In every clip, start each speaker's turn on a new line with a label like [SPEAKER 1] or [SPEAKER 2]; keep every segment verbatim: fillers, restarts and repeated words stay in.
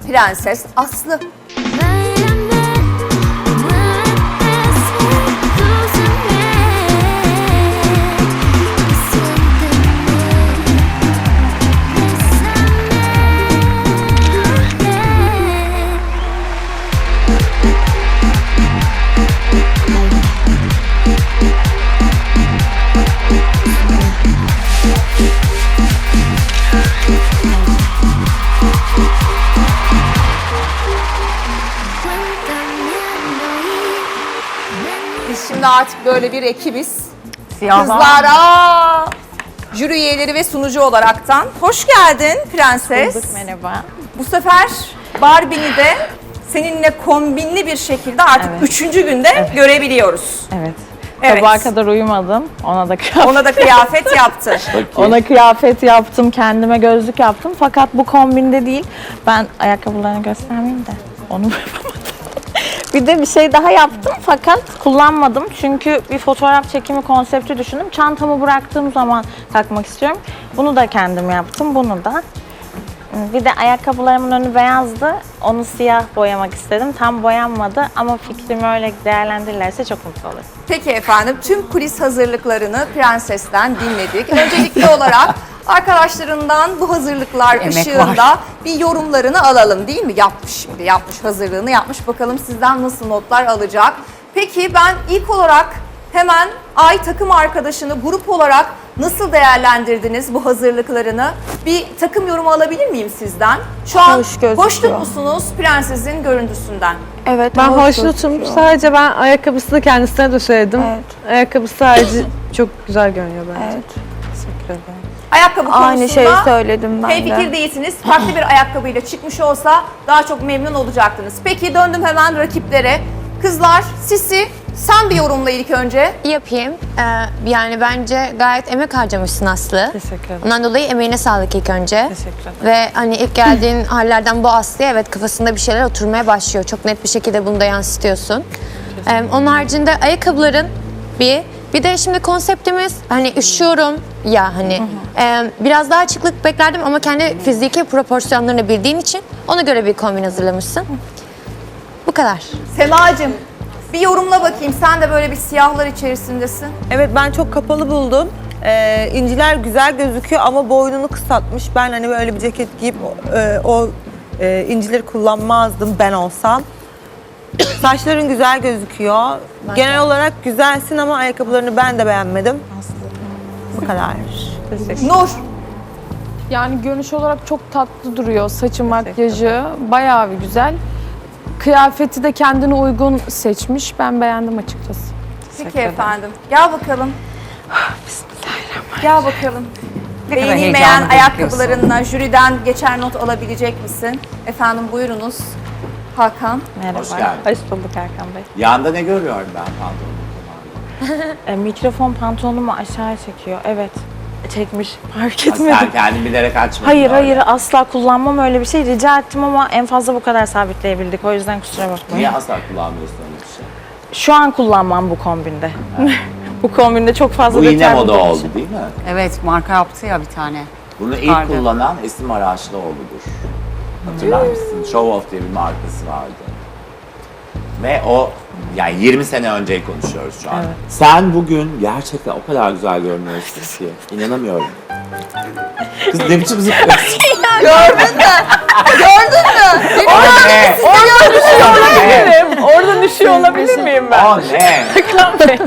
[SPEAKER 1] Prenses Aslı. Biz şimdi artık böyle bir ekibiz.
[SPEAKER 2] Siyah
[SPEAKER 1] Kızlara, jüri üyeleri ve sunucu olaraktan. Hoş geldin Prenses.
[SPEAKER 2] bulduk, merhaba.
[SPEAKER 1] Bu sefer Barbie'ni de seninle kombinli bir şekilde artık
[SPEAKER 2] Evet.
[SPEAKER 1] üçüncü günde
[SPEAKER 2] Evet.
[SPEAKER 1] görebiliyoruz.
[SPEAKER 2] Evet.
[SPEAKER 1] Evet.
[SPEAKER 2] Sabaha kadar uyumadım. Ona da kıyafet,
[SPEAKER 1] Ona da kıyafet yaptı.
[SPEAKER 2] ona kıyafet yaptım, kendime gözlük yaptım. Fakat bu kombinde değil. Ben ayakkabılarını göstermeyeyim de onu yapamadım. Bir de bir şey daha yaptım fakat kullanmadım. Çünkü bir fotoğraf çekimi konsepti düşündüm. Çantamı bıraktığım zaman takmak istiyorum. Bunu da kendim yaptım, bunu da. Bir de ayakkabılarımın önü beyazdı. Onu siyah boyamak istedim. Tam boyanmadı ama fikrimi öyle değerlendirirlerse çok mutlu olurum.
[SPEAKER 1] Peki efendim, tüm kulis hazırlıklarını Prenses'ten dinledik. Öncelikli olarak arkadaşlarından bu hazırlıklar
[SPEAKER 3] Emek
[SPEAKER 1] ışığında
[SPEAKER 3] var.
[SPEAKER 1] bir yorumlarını alalım değil mi? Yapmış şimdi, yapmış hazırlığını yapmış. Bakalım sizden nasıl notlar alacak. Peki ben ilk olarak hemen Ay takım arkadaşını grup olarak nasıl değerlendirdiniz bu hazırlıklarını? Bir takım yorumu alabilir miyim sizden? Şu an
[SPEAKER 4] Hoş gözüküyor.
[SPEAKER 1] hoşnut musunuz Prenses'in görüntüsünden?
[SPEAKER 4] Evet,
[SPEAKER 5] Ben
[SPEAKER 4] hoş
[SPEAKER 5] hoşnutum.
[SPEAKER 4] gözüküyor.
[SPEAKER 5] Sadece ben ayakkabısını kendisine de söyledim.
[SPEAKER 4] Evet.
[SPEAKER 5] Ayakkabısı sadece çok güzel görünüyor bence.
[SPEAKER 4] Evet.
[SPEAKER 2] Teşekkür ederim.
[SPEAKER 1] Ayakkabı
[SPEAKER 4] Aynı
[SPEAKER 1] konusunda
[SPEAKER 4] şeyi söyledim ben
[SPEAKER 1] hemfikir
[SPEAKER 4] de.
[SPEAKER 1] değilsiniz. Farklı bir ayakkabıyla çıkmış olsa daha çok memnun olacaktınız. Peki döndüm hemen rakiplere. Kızlar, Sisi sen bir yorumla ilk önce.
[SPEAKER 6] Yapayım. Ee, yani bence gayet emek harcamışsın Aslı.
[SPEAKER 2] Teşekkür ederim.
[SPEAKER 6] Ondan dolayı emeğine sağlık ilk önce.
[SPEAKER 2] Teşekkür ederim.
[SPEAKER 6] Ve hani ilk geldiğin hallerden bu Aslı'ya evet kafasında bir şeyler oturmaya başlıyor. Çok net bir şekilde bunu da yansıtıyorsun. Ee, onun haricinde ayakkabıların bir, bir de şimdi konseptimiz hani üşüyorum ya hani e, biraz daha açıklık beklerdim ama kendi fiziki proporsiyonlarını bildiğin için ona göre bir kombin hazırlamışsın. Bu kadar.
[SPEAKER 1] Semacığım bir yorumla bakayım. Sen de böyle bir siyahlar içerisindesin.
[SPEAKER 7] Evet, ben çok kapalı buldum. Ee, inciler güzel gözüküyor ama boynunu kısaltmış. Ben hani böyle bir ceket giyip e, o e, incileri kullanmazdım ben olsam. Saçların güzel gözüküyor. Genel olarak güzelsin ama ayakkabılarını ben de beğenmedim. Bu kadar.
[SPEAKER 1] Nur,
[SPEAKER 8] Yani görünüş olarak çok tatlı duruyor. Saçı, makyajı bayağı bir güzel. Kıyafeti de kendine uygun seçmiş. Ben beğendim açıkçası.
[SPEAKER 1] peki efendim. Gel bakalım. Bismillahirrahmanirrahim. Gel bakalım.
[SPEAKER 3] kadar
[SPEAKER 1] Beğenilmeyen
[SPEAKER 3] heyecanlı
[SPEAKER 1] ayakkabılarınla jüriden geçer not alabilecek misin? Efendim buyurunuz. Hakan.
[SPEAKER 2] Merhaba.
[SPEAKER 9] Hoş geldin.
[SPEAKER 2] Hoş bulduk Erkan Bey.
[SPEAKER 9] Yanda ne görüyorum ben pantolonumda?
[SPEAKER 2] E, mikrofon pantolonumu aşağı çekiyor. Evet. Çekmiş. Fark
[SPEAKER 9] Ha,
[SPEAKER 2] etmedim.
[SPEAKER 9] sen kendin bilerek açmadın.
[SPEAKER 2] Hayır
[SPEAKER 9] öyle.
[SPEAKER 2] hayır asla kullanmam öyle bir şey. Rica ettim ama en fazla bu kadar sabitleyebildik. O yüzden kusura bakmayın.
[SPEAKER 9] Niye asla kullanmıyorsun öyle bir şey?
[SPEAKER 2] Şu an kullanmam bu kombinde. bu kombinde çok fazla
[SPEAKER 9] Bu yine
[SPEAKER 2] detay
[SPEAKER 9] moda
[SPEAKER 2] bulduğum
[SPEAKER 9] oldu
[SPEAKER 2] için.
[SPEAKER 9] değil mi?
[SPEAKER 3] Evet, marka yaptı ya bir tane.
[SPEAKER 9] Bunu ilk
[SPEAKER 3] Çıkardı.
[SPEAKER 9] kullanan Esim Araçlıoğlu'dur. Hatırlar mısın? Show Off diye bir markası vardı. Ve o yani yirmi sene önceyi konuşuyoruz şu an.
[SPEAKER 2] Evet.
[SPEAKER 9] Sen bugün gerçekten o kadar güzel görünüyorsun ki. İnanamıyorum. Kız ne biçim zıplıyorsun?
[SPEAKER 1] Gördün mü? Gördün mü?
[SPEAKER 9] O ne?
[SPEAKER 2] Orada düşüyor
[SPEAKER 9] O ne?
[SPEAKER 2] olabilirim. Orada düşüyor olabilir miyim ben?
[SPEAKER 9] O ne?
[SPEAKER 2] Erkan Bey.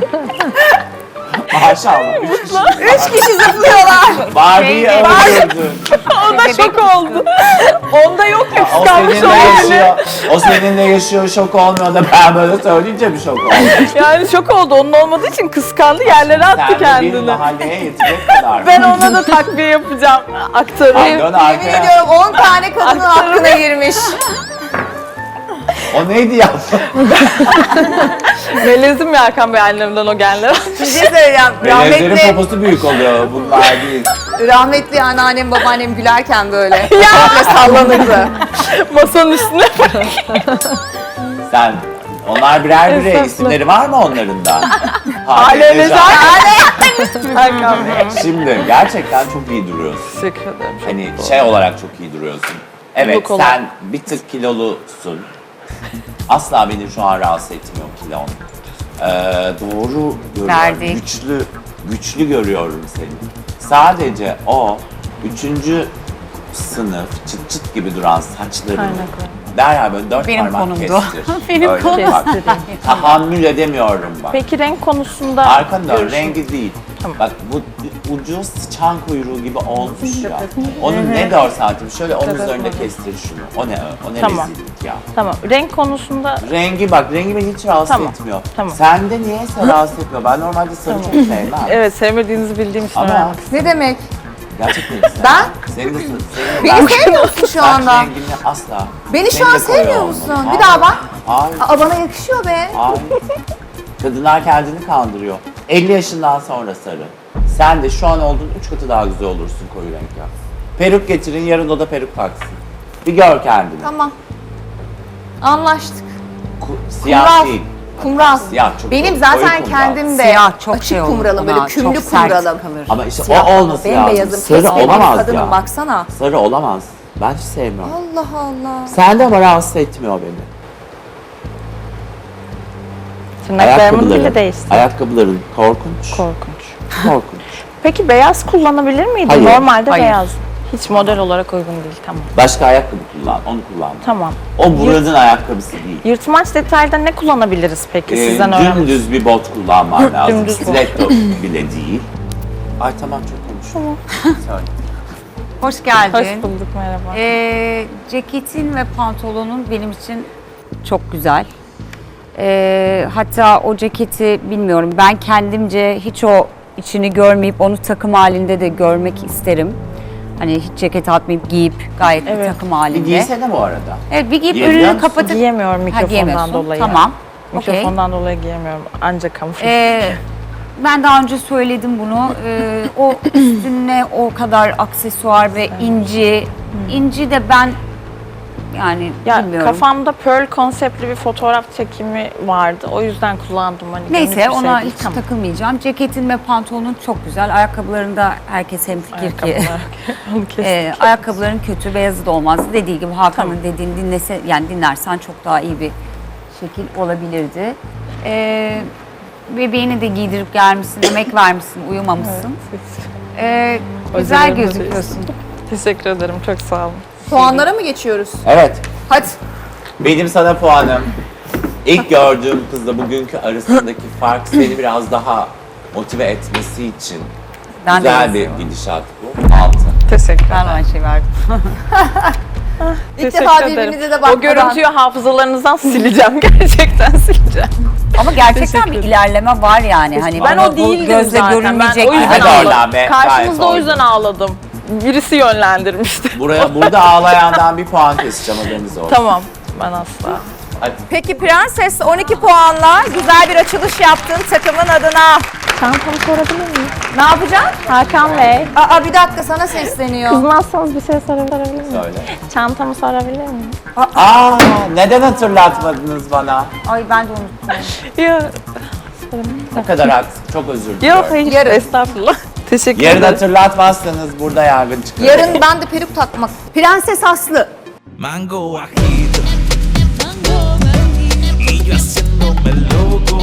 [SPEAKER 9] Maşallah. Üç kişi.
[SPEAKER 1] Üç kişi zıplıyorlar.
[SPEAKER 9] Barbie'yi öldürdün.
[SPEAKER 2] Onda şok oldu. Onda yok ya
[SPEAKER 9] O
[SPEAKER 2] kıskanmış
[SPEAKER 9] seninle
[SPEAKER 2] olabilir.
[SPEAKER 9] yaşıyor. O seninle yaşıyor, şok olmuyor da ben böyle söyleyince bir şok oldu.
[SPEAKER 2] Yani şok oldu. Onun olmadığı için kıskandı. Yerlere attı
[SPEAKER 9] Sen de bir
[SPEAKER 2] kendini.
[SPEAKER 9] mahalleye yetecek kadar.
[SPEAKER 2] Ben ona da takviye yapacağım. Aktarayım.
[SPEAKER 9] Dön
[SPEAKER 1] Yemin
[SPEAKER 9] arkaya.
[SPEAKER 1] ediyorum on tane kadının hakkına girmiş.
[SPEAKER 9] O neydi ya?
[SPEAKER 2] Melezim ya Erkan Bey annemden o genler.
[SPEAKER 1] Bir şey söyleyeceğim.
[SPEAKER 9] Melezlerin
[SPEAKER 1] Rahmetli,
[SPEAKER 9] poposu büyük oluyor. Bunlar değil.
[SPEAKER 1] rahmetli anneannem babaannem gülerken böyle. Böyle sallanırdı.
[SPEAKER 2] Masanın üstüne
[SPEAKER 9] Sen, onlar birer birer
[SPEAKER 2] Estağfurullah.
[SPEAKER 9] isimleri var mı onların da?
[SPEAKER 2] Hale
[SPEAKER 9] Necat.
[SPEAKER 2] Erkan Bey.
[SPEAKER 9] Şimdi gerçekten çok iyi duruyorsun.
[SPEAKER 2] Teşekkür ederim.
[SPEAKER 9] Hani şey olarak çok iyi duruyorsun. Evet
[SPEAKER 2] Look olarak.
[SPEAKER 9] sen bir tık kilolusun. Asla beni şu an rahatsız etmiyor kilon. Ee, doğru görüyorum.
[SPEAKER 3] Verdi.
[SPEAKER 9] Güçlü, güçlü görüyorum seni. Sadece o üçüncü sınıf çıt çıt gibi duran saçlarını derhal böyle dört
[SPEAKER 3] Benim
[SPEAKER 9] parmak
[SPEAKER 3] konumdu.
[SPEAKER 9] kestir.
[SPEAKER 3] Benim
[SPEAKER 9] Öyle
[SPEAKER 3] konum.
[SPEAKER 9] bak. Tahammül edemiyorum bak.
[SPEAKER 2] Peki renk konusunda
[SPEAKER 9] Arkanı dön,
[SPEAKER 2] görüşün-
[SPEAKER 9] rengi değil.
[SPEAKER 2] Tamam.
[SPEAKER 9] Bak bu ucu sıçan kuyruğu gibi olmuş ya. Onun ne görsen şöyle onun üzerinde kestir şunu. O ne o ne
[SPEAKER 2] Tamam.
[SPEAKER 9] rezillik ya.
[SPEAKER 2] Tamam. Renk konusunda
[SPEAKER 9] Rengi bak, rengi beni hiç rahatsız
[SPEAKER 2] Tamam,
[SPEAKER 9] etmiyor.
[SPEAKER 2] tamam.
[SPEAKER 9] Sende niyeyse rahatsız etmiyor. Ben normalde sarı çok sevmem.
[SPEAKER 2] evet sevmediğinizi bildiğim için
[SPEAKER 9] Ama
[SPEAKER 2] öğrenmek
[SPEAKER 1] Ne demek?
[SPEAKER 9] gerçekten sevmem.
[SPEAKER 1] Ben?
[SPEAKER 9] Senin de senin
[SPEAKER 1] Beni sevmiyorsun şu anda.
[SPEAKER 9] rengini asla.
[SPEAKER 1] Beni şu
[SPEAKER 9] Senin
[SPEAKER 1] an
[SPEAKER 9] de koyu
[SPEAKER 1] sevmiyor
[SPEAKER 9] olmalı.
[SPEAKER 1] musun?
[SPEAKER 9] Hayır,
[SPEAKER 1] Bir daha bak.
[SPEAKER 9] Hayır,
[SPEAKER 1] Aa, bana yakışıyor be.
[SPEAKER 9] hayır. Kadınlar kendini kandırıyor. elli yaşından sonra sarı. Sen de şu an olduğun üç katı daha güzel olursun koyu renk ya. Peruk getirin, yarın o da peruk taksın. Bir gör kendini.
[SPEAKER 1] Tamam. Anlaştık.
[SPEAKER 9] Ku- siyah
[SPEAKER 1] Kumral.
[SPEAKER 9] değil.
[SPEAKER 1] Kumral.
[SPEAKER 9] Siyah çok
[SPEAKER 1] Benim
[SPEAKER 9] koyu
[SPEAKER 1] zaten
[SPEAKER 9] kumral.
[SPEAKER 1] kendim de
[SPEAKER 3] Siyah çok
[SPEAKER 1] açık
[SPEAKER 3] şey olur
[SPEAKER 1] kumralım,
[SPEAKER 3] ona,
[SPEAKER 1] böyle kümlü
[SPEAKER 3] çok sert
[SPEAKER 1] kumralım.
[SPEAKER 3] kalır.
[SPEAKER 9] Ama işte
[SPEAKER 1] Siyah
[SPEAKER 9] o olması lazım.
[SPEAKER 1] bembeyazım,
[SPEAKER 9] Sarı
[SPEAKER 1] kesmediğim
[SPEAKER 9] olamaz
[SPEAKER 1] kadınım
[SPEAKER 9] ya.
[SPEAKER 1] baksana.
[SPEAKER 9] Sarı olamaz. Ben hiç sevmiyorum.
[SPEAKER 1] Allah Allah.
[SPEAKER 9] Sen de ama rahatsız etmiyor beni.
[SPEAKER 2] tırnaklarımın bile değişti.
[SPEAKER 9] Ayakkabıların korkunç.
[SPEAKER 2] Korkunç.
[SPEAKER 9] Korkunç.
[SPEAKER 2] Peki beyaz kullanabilir miydim?
[SPEAKER 9] Hayır.
[SPEAKER 2] Normalde
[SPEAKER 3] Hayır.
[SPEAKER 2] beyaz. Hiç model olarak uygun değil. Tamam.
[SPEAKER 9] Başka ayakkabı kullan, onu kullan.
[SPEAKER 2] Tamam.
[SPEAKER 9] O buranın ayakkabısı değil.
[SPEAKER 2] Yırtmaç detayda ne kullanabiliriz peki
[SPEAKER 9] Ee,
[SPEAKER 2] sizden öğrenmek?
[SPEAKER 9] dümdüz bir bot kullanman lazım.
[SPEAKER 2] Dümdüz bot.
[SPEAKER 9] Stiletto bile değil. Ay tamam çok konuşuyorum. Söyle.
[SPEAKER 3] Hoş geldin.
[SPEAKER 2] Hoş bulduk, merhaba.
[SPEAKER 3] Ee, ceketin ve pantolonun benim için çok güzel. Ee, hatta o ceketi bilmiyorum, ben kendimce hiç o içini görmeyip onu takım halinde de görmek isterim. Hani hiç ceket atmayıp giyip gayet bir
[SPEAKER 2] Evet.
[SPEAKER 3] takım
[SPEAKER 9] Bir
[SPEAKER 3] halinde.
[SPEAKER 9] giysene bu arada.
[SPEAKER 3] Evet, bir giyip
[SPEAKER 9] Giyebiliyor
[SPEAKER 3] önünü
[SPEAKER 9] musun?
[SPEAKER 3] kapatıp
[SPEAKER 2] Giyemiyorum
[SPEAKER 3] Ha,
[SPEAKER 2] mikrofondan
[SPEAKER 3] giyemiyorsun.
[SPEAKER 2] dolayı.
[SPEAKER 3] Tamam. Okey.
[SPEAKER 2] Mikrofondan dolayı giyemiyorum. Ancak kamufle.
[SPEAKER 3] Ee, ben daha önce söyledim bunu. Ee, o üstüne o kadar aksesuar ve inci. İnci de ben yani
[SPEAKER 2] ya
[SPEAKER 3] bilmiyorum.
[SPEAKER 2] kafamda pearl konseptli bir fotoğraf çekimi vardı. O yüzden kullandım. Hani
[SPEAKER 3] Neyse
[SPEAKER 2] günlük bir şey
[SPEAKER 3] ona
[SPEAKER 2] değil.
[SPEAKER 3] hiç
[SPEAKER 2] Tamam.
[SPEAKER 3] takılmayacağım. Ceketin ve pantolonun çok güzel. Ayakkabılarında herkes hemfikir ki.
[SPEAKER 2] Ayakkabılar. Onu kestik.
[SPEAKER 3] e, ayakkabıların kötü, beyazı da olmazdı. Dediği gibi Hakan'ın dediğini dinlese, yani dinlersen çok daha iyi bir şekil olabilirdi. E, bebeğini de giydirip gelmişsin, emek vermişsin, uyumamışsın. E, güzel
[SPEAKER 2] Hocalarım da
[SPEAKER 3] gözüküyorsun.
[SPEAKER 2] Teşekkür ederim. Çok sağ olun.
[SPEAKER 1] Puanlara mı geçiyoruz?
[SPEAKER 9] Evet.
[SPEAKER 1] Hadi.
[SPEAKER 9] Benim sana puanım. İlk gördüğüm kızla bugünkü arasındaki fark seni biraz daha motive etmesi için
[SPEAKER 3] Ben de
[SPEAKER 9] güzel bir
[SPEAKER 3] yazıyorum.
[SPEAKER 9] gidişat bu. Altı.
[SPEAKER 2] Teşekkür
[SPEAKER 3] Ben aynı şey verdim.
[SPEAKER 1] İlk defa birbirinize de bakmadan.
[SPEAKER 2] O görüntüyü hafızalarınızdan sileceğim. Gerçekten sileceğim.
[SPEAKER 3] Ama gerçekten bir
[SPEAKER 2] Teşekkür
[SPEAKER 3] ilerleme var yani. Hani
[SPEAKER 2] Ben
[SPEAKER 3] bunu
[SPEAKER 2] o
[SPEAKER 3] bu
[SPEAKER 2] değildim
[SPEAKER 3] gözle
[SPEAKER 2] zaten.
[SPEAKER 3] görünmeyecek
[SPEAKER 2] Ben o
[SPEAKER 3] bir
[SPEAKER 2] yüzden
[SPEAKER 9] Hadi
[SPEAKER 3] şey.
[SPEAKER 9] oradan
[SPEAKER 2] ağladım.
[SPEAKER 9] be,
[SPEAKER 2] Karşınızda o
[SPEAKER 9] gayet
[SPEAKER 2] yüzden ağladım. Birisi yönlendirmişti.
[SPEAKER 9] Buraya, burada ağlayandan bir puan keseceğim, haberiniz olsun.
[SPEAKER 2] Tamam. Ben asla.
[SPEAKER 9] Hadi.
[SPEAKER 1] Peki Prenses on iki puanla güzel bir açılış yaptın takımın adına.
[SPEAKER 2] Çantamı sorabilir miyim?
[SPEAKER 1] Ne yapacaksın?
[SPEAKER 2] Hakan Bey.
[SPEAKER 1] Aa bir dakika sana sesleniyor.
[SPEAKER 2] Kızmazsanız bir şey sorabilir miyim?
[SPEAKER 9] Söyle.
[SPEAKER 2] Çantamı sorabilir miyim?
[SPEAKER 9] Aa, neden hatırlatmadınız bana?
[SPEAKER 3] Ay ben de unuttum.
[SPEAKER 2] Yok.
[SPEAKER 9] Ne kadar haksız, çok özür
[SPEAKER 2] Yok
[SPEAKER 9] diliyorum.
[SPEAKER 2] hayır.
[SPEAKER 1] Yarın.
[SPEAKER 2] Estağfurullah. Teşekkür
[SPEAKER 9] Yarın
[SPEAKER 2] ederim.
[SPEAKER 9] hatırlatmazsanız burada yangın çıkar.
[SPEAKER 1] Yarın ben de peruk takmak. Prenses Aslı.
[SPEAKER 4] Mango bajito y yo haciéndome loco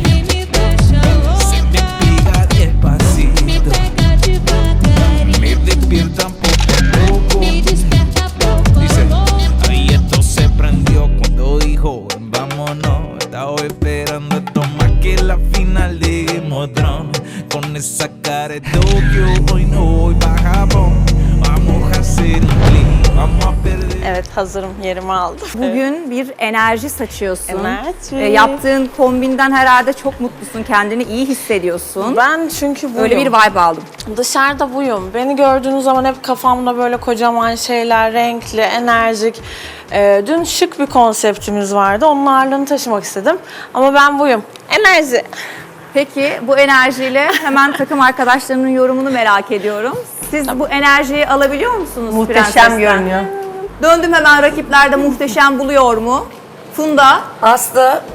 [SPEAKER 4] se me pega despacito me despiertan poco a poco dice ahí esto se prendió cuando dijo "Ven, vámonos estaba esperando esto más que la final de Game of Thrones con esa cara de Tokio hoy no voy pa' Japón vamos a hacer un clip vamos a perder.
[SPEAKER 2] Evet hazırım. Yerimi aldım.
[SPEAKER 1] Bugün bir enerji saçıyorsun.
[SPEAKER 2] Enerji.
[SPEAKER 1] E, yaptığın kombinden herhalde çok mutlusun. Kendini iyi hissediyorsun.
[SPEAKER 2] Ben çünkü buyum.
[SPEAKER 1] Öyle bir vibe aldım.
[SPEAKER 2] Dışarıda buyum. Beni gördüğünüz zaman hep kafamda böyle kocaman şeyler, renkli, enerjik. Ee, dün şık bir konseptimiz vardı. Onun ağırlığını taşımak istedim. Ama ben buyum. Enerji.
[SPEAKER 1] Peki bu enerjiyle hemen takım arkadaşlarının yorumunu merak ediyorum. Siz bu enerjiyi alabiliyor musunuz Prenses'ten?
[SPEAKER 7] görünüyor.
[SPEAKER 1] Döndüm hemen, rakipler de muhteşem buluyor mu? Funda.
[SPEAKER 10] Aslı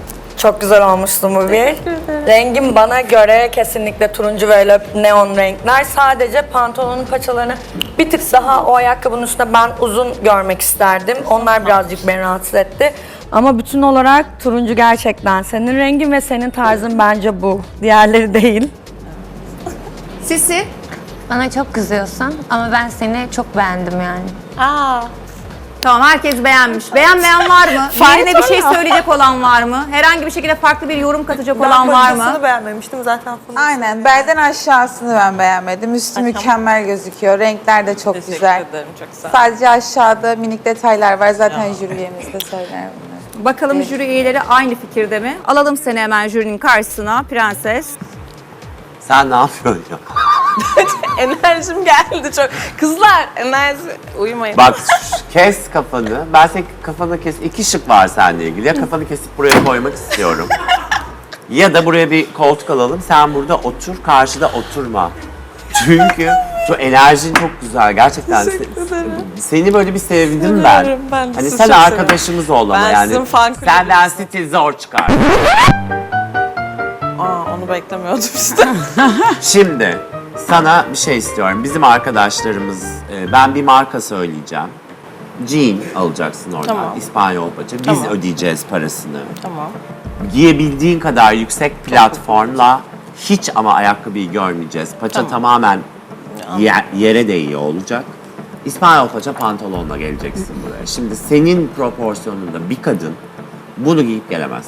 [SPEAKER 10] Çok güzel olmuşsun bu bir. Rengim bana göre kesinlikle turuncu ve öyle neon renkler. Sadece pantolonun paçalarını bir tık daha o ayakkabının üstünde ben uzun görmek isterdim. Onlar birazcık beni rahatsız etti. Ama bütün olarak turuncu gerçekten senin rengin ve senin tarzın bence bu. Diğerleri değil.
[SPEAKER 1] Sisi?
[SPEAKER 6] Bana çok kızıyorsun ama ben seni çok beğendim yani.
[SPEAKER 1] Aa. Tamam, herkes beğenmiş. Beğenmeyen var mı? Yerine bir şey söyleyecek olan var mı? Herhangi bir şekilde farklı bir yorum katacak olan var mı?
[SPEAKER 7] Paçasını beğenmemiştim zaten.
[SPEAKER 11] Aynen. Belden aşağısını ben beğenmedim. Üstü mükemmel gözüküyor. Renkler de çok güzel.
[SPEAKER 5] ederim, çok sağ ol.
[SPEAKER 11] Sadece aşağıda minik detaylar var. Zaten jüri üyemiz de söyler bunları.
[SPEAKER 1] Bakalım jüri üyeleri aynı fikirde mi? Alalım seni hemen jürinin karşısına Prenses.
[SPEAKER 9] Sen ne yapıyorsun ya?
[SPEAKER 5] Enerjim geldi çok. Kızlar enerji uyumayın.
[SPEAKER 9] Bak kes kafanı. Ben senin kafanı kes. İki şık var seninle ilgili. Ya kafanı kesip buraya koymak istiyorum. Ya da buraya bir koltuk alalım. Sen burada otur, karşıda oturma. Çünkü şu enerjin çok güzel. Gerçekten se- seni böyle bir sevdim ben.
[SPEAKER 5] Seviyorum, ben de
[SPEAKER 9] Hani
[SPEAKER 5] sizi
[SPEAKER 9] sen
[SPEAKER 5] çok
[SPEAKER 9] arkadaşımız ol ama
[SPEAKER 5] Ben
[SPEAKER 9] yani.
[SPEAKER 5] sizin fan kulübünüzüm.
[SPEAKER 9] Senden stil zor çıkar.
[SPEAKER 5] Aa, onu beklemiyordum işte.
[SPEAKER 9] Şimdi sana bir şey istiyorum. Bizim arkadaşlarımız, e, ben bir marka söyleyeceğim. Jean alacaksın oradan.
[SPEAKER 5] Tamam.
[SPEAKER 9] İspanyol paça. Biz
[SPEAKER 5] Tamam.
[SPEAKER 9] ödeyeceğiz parasını.
[SPEAKER 5] Tamam.
[SPEAKER 9] Giyebildiğin kadar yüksek platformla hiç ama ayakkabıyı görmeyeceğiz. Paça
[SPEAKER 5] Tamam.
[SPEAKER 9] tamamen ye- yere değiyor olacak. İspanyol paça pantolonla geleceksin buraya. Şimdi senin proporsiyonunda bir kadın bunu giyip gelemez.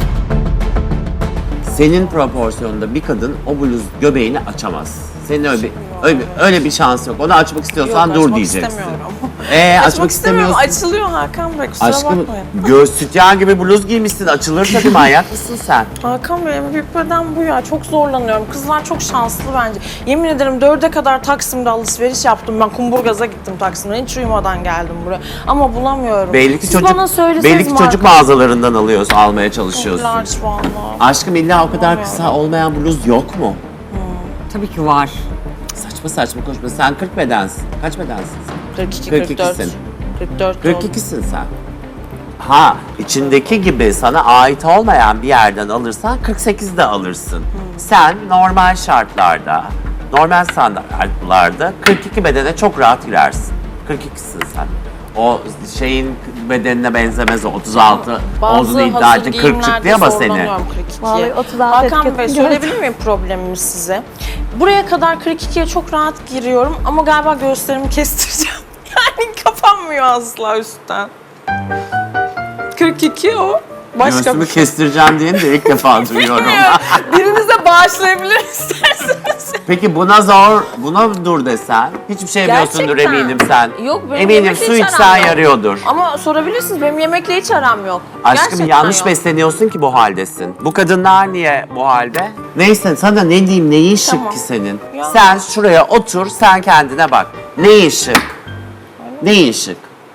[SPEAKER 9] Senin proporsiyonunda bir kadın o bluz göbeğini açamaz. Senin öyle bir, öyle, bir- öyle bir şans yok. Onu açmak istiyorsan
[SPEAKER 5] Yok,
[SPEAKER 9] dur
[SPEAKER 5] açmak
[SPEAKER 9] diyeceksin.
[SPEAKER 5] istemiyorum.
[SPEAKER 9] Ee, açmak,
[SPEAKER 5] Açmak istemiyorum.
[SPEAKER 9] istemiyorsun.
[SPEAKER 5] Açılıyor Hakan Bey, kusura
[SPEAKER 9] Aşkım
[SPEAKER 5] bakmayın.
[SPEAKER 9] göğüs sütyen gibi bluz giymişsin. Açılır tabii, manyak mısın sen?
[SPEAKER 5] Hakan Bey, en büyük beden bu ya. Çok zorlanıyorum. Kızlar çok şanslı bence. Yemin ederim dörde kadar Taksim'de alışveriş yaptım. Ben Kumburgaz'a gittim Taksim'den. Hiç uyumadan geldim buraya. Ama bulamıyorum.
[SPEAKER 9] Belli ki
[SPEAKER 5] Siz
[SPEAKER 9] çocuk,
[SPEAKER 5] bana söyleseniz
[SPEAKER 9] belli ki çocuk
[SPEAKER 5] marka-
[SPEAKER 9] mağazalarından alıyorsun, almaya çalışıyorsun.
[SPEAKER 5] Çok large vallahi.
[SPEAKER 9] Aşkım illa o kadar kısa olmayan bluz yok mu?
[SPEAKER 3] Tabii ki var.
[SPEAKER 9] Saçma saçma konuşma. Sen kırk bedensin. Kaç bedensin sen?
[SPEAKER 5] kırk iki,
[SPEAKER 9] kırk
[SPEAKER 5] kırk dört.
[SPEAKER 9] ikisin.
[SPEAKER 5] kırk dört
[SPEAKER 9] kırk ikisin sen. Ha, içindeki gibi sana ait olmayan bir yerden alırsan kırk sekizde alırsın. Sen normal şartlarda, normal standartlarda kırk iki bedene çok rahat girersin. kırk ikisin sen. O şeyin bedenine benzemez o. otuz altı olduğunu iddia ettin. kırk çıktı ama seni.
[SPEAKER 2] Vallahi otuz altı
[SPEAKER 5] Hakan Bey,
[SPEAKER 2] etiketini
[SPEAKER 5] söyleyebilir miyim problemimi size? Buraya kadar kırk ikiye çok rahat giriyorum ama galiba göğüslerimi kestireceğim. Yani kapanmıyor asla üstten. kırk iki o. Başka
[SPEAKER 9] Göğsümü
[SPEAKER 5] bir şey.
[SPEAKER 9] kestireceğim diyeni de ilk defa duyuyorum.
[SPEAKER 5] Birinize bağışlayabilir isterseniz.
[SPEAKER 9] Peki buna zor, buna dur desen, hiçbir şey yemiyorsundur
[SPEAKER 5] Gerçekten.
[SPEAKER 9] eminim sen.
[SPEAKER 5] Yok, benim
[SPEAKER 9] eminim
[SPEAKER 5] yemekle
[SPEAKER 9] su
[SPEAKER 5] hiç
[SPEAKER 9] içsen
[SPEAKER 5] aram yok.
[SPEAKER 9] yarıyordur.
[SPEAKER 5] Ama sorabilirsiniz, benim yemekle hiç aram yok.
[SPEAKER 9] Aşkım
[SPEAKER 5] Gerçekten
[SPEAKER 9] yanlış
[SPEAKER 5] yok.
[SPEAKER 9] besleniyorsun ki bu haldesin. Bu kadınlar niye bu halde? Neyse sana ne diyeyim, neyin şık
[SPEAKER 5] Tamam.
[SPEAKER 9] ki senin?
[SPEAKER 5] Ya.
[SPEAKER 9] Sen şuraya otur, sen kendine bak. Neyin şık? Neyin şık?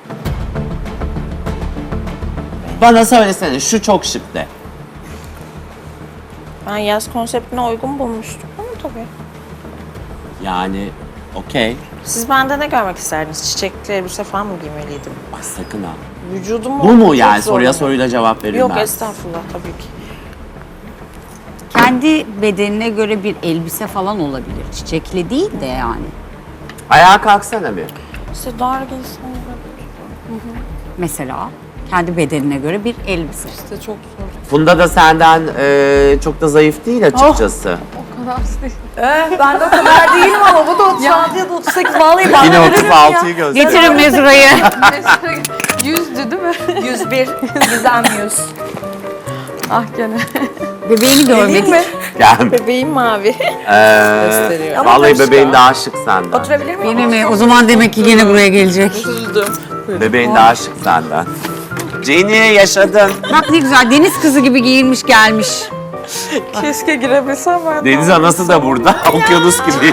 [SPEAKER 9] Bana söylesene, şu çok şık de.
[SPEAKER 5] Ben yaz konseptine uygun bulmuştum ama tabii.
[SPEAKER 9] Yani okey.
[SPEAKER 5] Siz bende ne görmek isterdiniz? Çiçekli elbise falan mı giymeliydim?
[SPEAKER 9] Bak sakın ha.
[SPEAKER 5] Vücudumu
[SPEAKER 9] Bu mu
[SPEAKER 5] çok
[SPEAKER 9] yani? Soruya
[SPEAKER 5] zorlanıyor.
[SPEAKER 9] soruyla cevap
[SPEAKER 5] Yok
[SPEAKER 9] verilmez.
[SPEAKER 5] estağfurullah, tabii ki.
[SPEAKER 3] Kendi bedenine göre bir elbise falan olabilir. Çiçekli değil de yani.
[SPEAKER 9] Ayağa kalksana bir.
[SPEAKER 5] İşte dar giysin.
[SPEAKER 3] Mesela kendi bedenine göre bir elbise.
[SPEAKER 5] İşte çok zor.
[SPEAKER 9] Funda da senden e, çok da zayıf değil açıkçası.
[SPEAKER 1] Eh, ben de o kadar değilim ama bu da otuz altı ya da otuz sekiz. Vallahi bana
[SPEAKER 9] Yine
[SPEAKER 1] verir
[SPEAKER 9] otuz
[SPEAKER 1] mi ya?
[SPEAKER 9] altıyı göster.
[SPEAKER 3] Getirin mezurayı.
[SPEAKER 8] Yüzdü değil mi?
[SPEAKER 1] yüz bir, Gizem yüz.
[SPEAKER 8] Ah gene.
[SPEAKER 3] Bebeğini görmedik.
[SPEAKER 9] Gel.
[SPEAKER 5] Bebeğim mavi.
[SPEAKER 9] Ee,
[SPEAKER 5] Gösteriyor.
[SPEAKER 9] vallahi
[SPEAKER 5] Ama
[SPEAKER 9] bebeğin daha şık senden.
[SPEAKER 1] Oturabilir miyim?
[SPEAKER 3] Yine mi? O zaman demek ki yine buraya gelecek.
[SPEAKER 5] Üzüldüm.
[SPEAKER 9] Bebeğin daha şık senden. Jenny yaşadın.
[SPEAKER 3] Bak ne güzel deniz kızı gibi giyinmiş gelmiş.
[SPEAKER 5] Keşke girebilsem ben.
[SPEAKER 9] Deniz anası da burada. Okyanus gibi.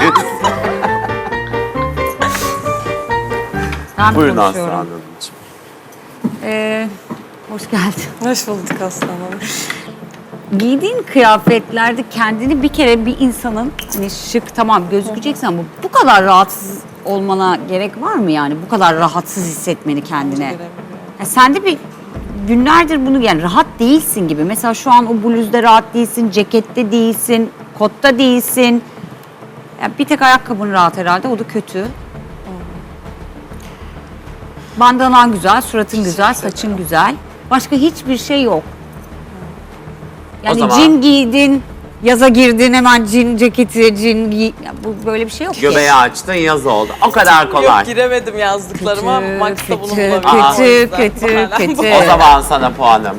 [SPEAKER 3] Ben
[SPEAKER 9] Buyurun Aslı
[SPEAKER 3] konuşuyorum.
[SPEAKER 9] Hanımcığım.
[SPEAKER 3] Ee, hoş geldin.
[SPEAKER 5] Hoş bulduk aslanım.
[SPEAKER 3] Giydiğin kıyafetlerde kendini bir kere bir insanın hani şık tamam gözükeceksin ama bu kadar rahatsız olmana gerek var mı yani? Bu kadar rahatsız hissetmeni kendine. Ya sende bir günlerdir bunu yani rahat değilsin gibi. Mesela şu an o bluzda rahat değilsin, cekette değilsin, kotta değilsin. Yani bir tek ayakkabın rahat herhalde, o da kötü. Bandanan güzel, suratın güzel, saçın güzel. Başka hiçbir şey yok. Yani
[SPEAKER 9] zaman-
[SPEAKER 3] cin giydin, yaza girdin hemen cin ceketi, cin giy... Ya bu böyle bir şey yok ki.
[SPEAKER 9] Göbeği açtın yaz oldu. O kadar kolay.
[SPEAKER 5] Yok giremedim yazdıklarıma.
[SPEAKER 3] Kötü,
[SPEAKER 5] Max'ta bunu
[SPEAKER 3] kötü,
[SPEAKER 5] bulabilirim. O
[SPEAKER 3] kötü,
[SPEAKER 5] yüzden
[SPEAKER 3] kötü,
[SPEAKER 5] muhtemelen bu.
[SPEAKER 3] kötü.
[SPEAKER 9] O zaman sana puanım.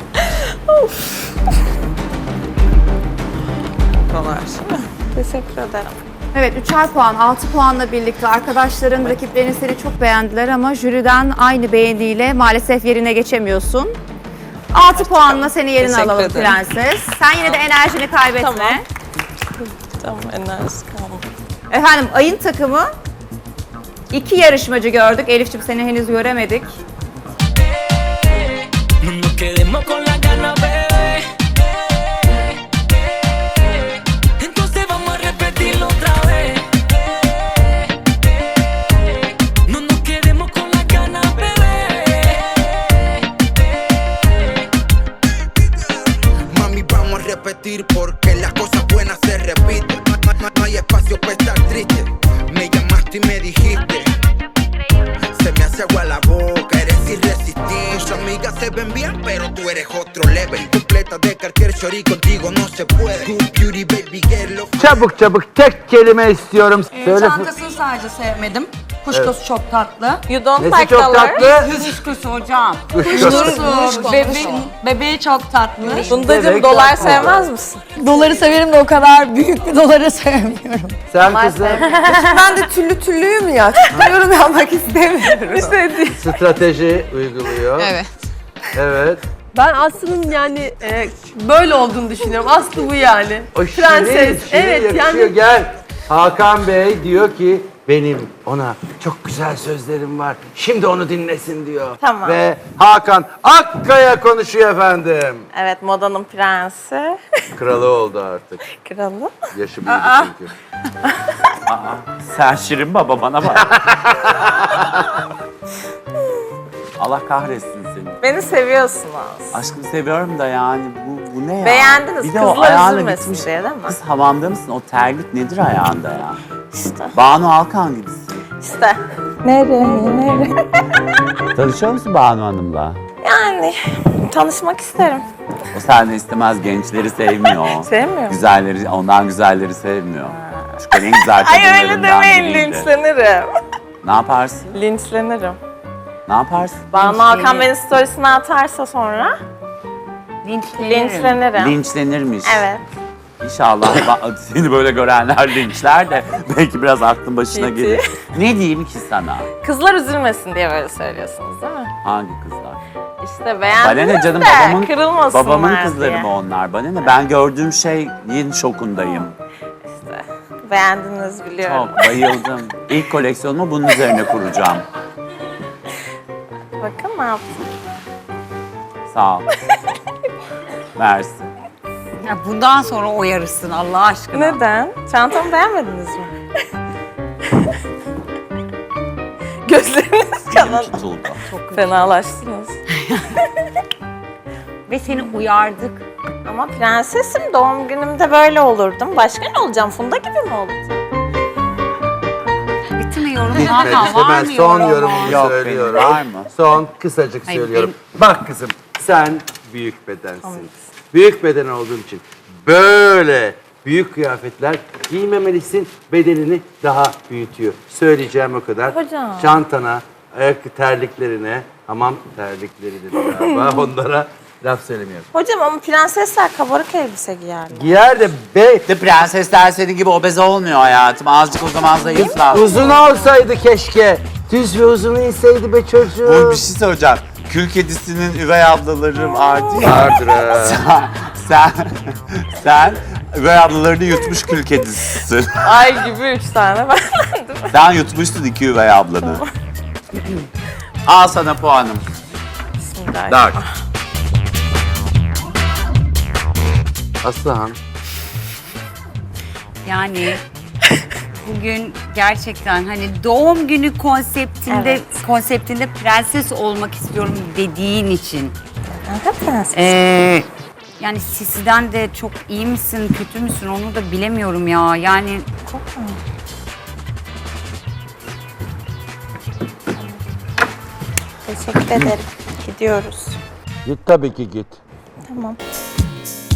[SPEAKER 5] Dolar.
[SPEAKER 2] Teşekkür ederim.
[SPEAKER 1] Evet, üçer puan, altı puanla birlikte arkadaşların, rakiplerin seni çok beğendiler ama jüriden aynı beğeniyle maalesef yerine geçemiyorsun. altı puanla seni yerine
[SPEAKER 5] Teşekkür
[SPEAKER 1] alalım
[SPEAKER 5] ederim.
[SPEAKER 1] Prenses. Sen yine de enerjini kaybetme.
[SPEAKER 5] Tamam. Tamam, enerjisi kalmadı.
[SPEAKER 1] Efendim, ayın takımı iki yarışmacı gördük. Elif'ciğim seni henüz göremedik.
[SPEAKER 4] No nos quedemos con la gana, bebé. Entonces vamos a repetirlo otra vez. No nos quedemos con la gana, bebé.
[SPEAKER 12] Mami, vamos a repetir porque las cosas buenas se repiten. No, no- no hay espacio para estar triste. Me llamaste y me dijiste. Se me hace agua la boca, eres irresistible. Tus amigas se ven bien, pero tú eres otro level. Completa de cualquier shorty, contigo no se puede. Good beauty, baby girl. lo-
[SPEAKER 13] Çabuk çabuk tek kelime istiyorum. Söyle.
[SPEAKER 10] Çantasını sadece sevmedim. Kuşkusu çok tatlı.
[SPEAKER 5] You don't
[SPEAKER 13] Nesi
[SPEAKER 5] like
[SPEAKER 13] çok
[SPEAKER 5] color.
[SPEAKER 13] tatlı?
[SPEAKER 10] Kuşkusu hocam.
[SPEAKER 13] Kuşkusu.
[SPEAKER 10] Bebeği, bebeği çok tatlı.
[SPEAKER 5] Bundacığım
[SPEAKER 13] Bebek
[SPEAKER 5] dolar
[SPEAKER 13] tatlı.
[SPEAKER 5] sevmez misin?
[SPEAKER 10] Doları severim de o kadar büyük bir doları sevmiyorum.
[SPEAKER 13] Sen kızım
[SPEAKER 7] Ben de tüllü tüllüyüm ya. Yorum yapmak istemiyorum.
[SPEAKER 13] strateji uyguluyor.
[SPEAKER 7] Evet.
[SPEAKER 13] Evet.
[SPEAKER 14] Ben Aslı'nın yani e, böyle olduğunu düşünüyorum. Aslı bu yani.
[SPEAKER 13] O şirin,
[SPEAKER 14] Prenses.
[SPEAKER 13] şirin
[SPEAKER 14] Evet
[SPEAKER 13] yakışıyor.
[SPEAKER 14] yani
[SPEAKER 13] Gel. Hakan Bey diyor ki benim ona çok güzel sözlerim var. Şimdi onu dinlesin diyor.
[SPEAKER 2] Tamam.
[SPEAKER 13] Ve Hakan Akkaya konuşuyor efendim.
[SPEAKER 2] Evet, modanın prensi.
[SPEAKER 13] Kralı oldu artık.
[SPEAKER 2] Kralı.
[SPEAKER 13] Yaşı büyüdü çünkü.
[SPEAKER 9] Sen Şirin Baba bana bak. Allah kahretsin seni.
[SPEAKER 2] Beni seviyorsunuz.
[SPEAKER 9] Aşkım seviyorum da yani bu, bu ne ya?
[SPEAKER 2] Beğendiniz,
[SPEAKER 9] Bir de o
[SPEAKER 2] kızlar
[SPEAKER 9] ayağına
[SPEAKER 2] üzülmesin
[SPEAKER 9] gitmiş.
[SPEAKER 2] diye değil mi?
[SPEAKER 9] Kız hamamda mısın? O terlik nedir ayağında ya?
[SPEAKER 2] İşte.
[SPEAKER 9] Banu Alkan gibisin.
[SPEAKER 2] İşte. Nereye, nereye?
[SPEAKER 9] Tanışıyor musun Banu Hanım'la?
[SPEAKER 2] Yani tanışmak isterim.
[SPEAKER 9] O senden istemez, gençleri sevmiyor.
[SPEAKER 2] Sevmiyor mu?
[SPEAKER 9] Güzelleri, ondan güzelleri sevmiyor. Çünkü en güzel
[SPEAKER 2] Ay öyle
[SPEAKER 9] kadınlarından
[SPEAKER 2] demeyin,
[SPEAKER 9] biriydi.
[SPEAKER 2] linçlenirim.
[SPEAKER 9] Ne yaparsın?
[SPEAKER 2] Linçlenirim.
[SPEAKER 9] Ne yaparsın?
[SPEAKER 2] Banu Hakan beni storiesine atarsa sonra linçlenirim.
[SPEAKER 9] Linçlenirmiş.
[SPEAKER 2] Evet.
[SPEAKER 9] İnşallah ba- seni böyle görenler linçler de belki biraz aklın başına
[SPEAKER 2] Ciddi.
[SPEAKER 9] gelir. Ne diyeyim ki sana?
[SPEAKER 2] Kızlar üzülmesin diye böyle söylüyorsunuz değil mi?
[SPEAKER 9] Hangi kızlar?
[SPEAKER 2] İşte
[SPEAKER 9] Bana
[SPEAKER 2] beğendiniz
[SPEAKER 9] ne canım,
[SPEAKER 2] de
[SPEAKER 9] babamın,
[SPEAKER 2] kırılmasınlar
[SPEAKER 9] babamın kızları
[SPEAKER 2] diye.
[SPEAKER 9] mı onlar? Bana ne? Ben gördüğüm şeyin şokundayım.
[SPEAKER 2] İşte beğendiniz biliyorum.
[SPEAKER 9] Çok bayıldım. İlk koleksiyonumu bunun üzerine kuracağım.
[SPEAKER 2] Bakın ne yaptım.
[SPEAKER 9] Sağ ol. Mersi.
[SPEAKER 3] Ya bundan sonra o yarışsın Allah aşkına.
[SPEAKER 2] Neden? Çantamı beğenmediniz mi? Gözleriniz
[SPEAKER 9] Dilim
[SPEAKER 2] kalan.
[SPEAKER 9] tutuldu.
[SPEAKER 2] Fenalaştınız.
[SPEAKER 3] Ve seni uyardık.
[SPEAKER 2] Ama prensesim, doğum günümde böyle olurdum. Başka ne olacağım? Funda gibi mi olacağım?
[SPEAKER 3] Bitti mi yorum?
[SPEAKER 13] Bitmedi.
[SPEAKER 3] Hakan
[SPEAKER 13] İşte
[SPEAKER 3] var
[SPEAKER 13] ben
[SPEAKER 3] mı
[SPEAKER 13] son
[SPEAKER 3] yorum?
[SPEAKER 13] yorumumu
[SPEAKER 9] Yok,
[SPEAKER 13] söylüyorum.
[SPEAKER 9] benim var mı?
[SPEAKER 13] Son kısacık
[SPEAKER 3] Hayır,
[SPEAKER 13] söylüyorum. Bak kızım sen büyük bedensin. Büyük beden olduğun için böyle büyük kıyafetler giymemelisin. Bedenini daha büyütüyor. Söyleyeceğim o kadar.
[SPEAKER 2] Hocam.
[SPEAKER 13] Çantana, ayak terliklerine, hamam terlikleri dedi galiba onlara laf söylemiyorum.
[SPEAKER 2] Hocam ama prensesler kabarık elbise giyerler.
[SPEAKER 13] Giyer de be
[SPEAKER 9] De prensesler senin gibi obez olmuyor hayatım. Azıcık o zaman zayıfla.
[SPEAKER 13] uzun olsaydı keşke. Düz ve uzun inseydi be çocuğum.
[SPEAKER 9] Bu bir şey söyleyeceğim. Kül kedisinin üvey ablaları vardı ya.
[SPEAKER 13] Vardır ha.
[SPEAKER 9] sen, sen, sen üvey ablalarını yutmuş kül kedisisin.
[SPEAKER 2] Ay gibi üç tane benden değil mi?
[SPEAKER 9] Sen yutmuşsun iki üvey ablanı. Al sana puanım.
[SPEAKER 2] Bismillahirrahmanirrahim.
[SPEAKER 9] Dört.
[SPEAKER 13] Aslıhan.
[SPEAKER 3] Yani bugün gerçekten hani doğum günü konseptinde
[SPEAKER 2] Evet.
[SPEAKER 3] konseptinde prenses olmak istiyorum dediğin için
[SPEAKER 2] Kanka prenses.
[SPEAKER 3] Ee, yani Sisi'den de çok iyi misin, kötü müsün onu da bilemiyorum ya. Yani
[SPEAKER 2] Teşekkür ederim. Gidiyoruz.
[SPEAKER 13] Git tabii ki git.
[SPEAKER 2] Tamam.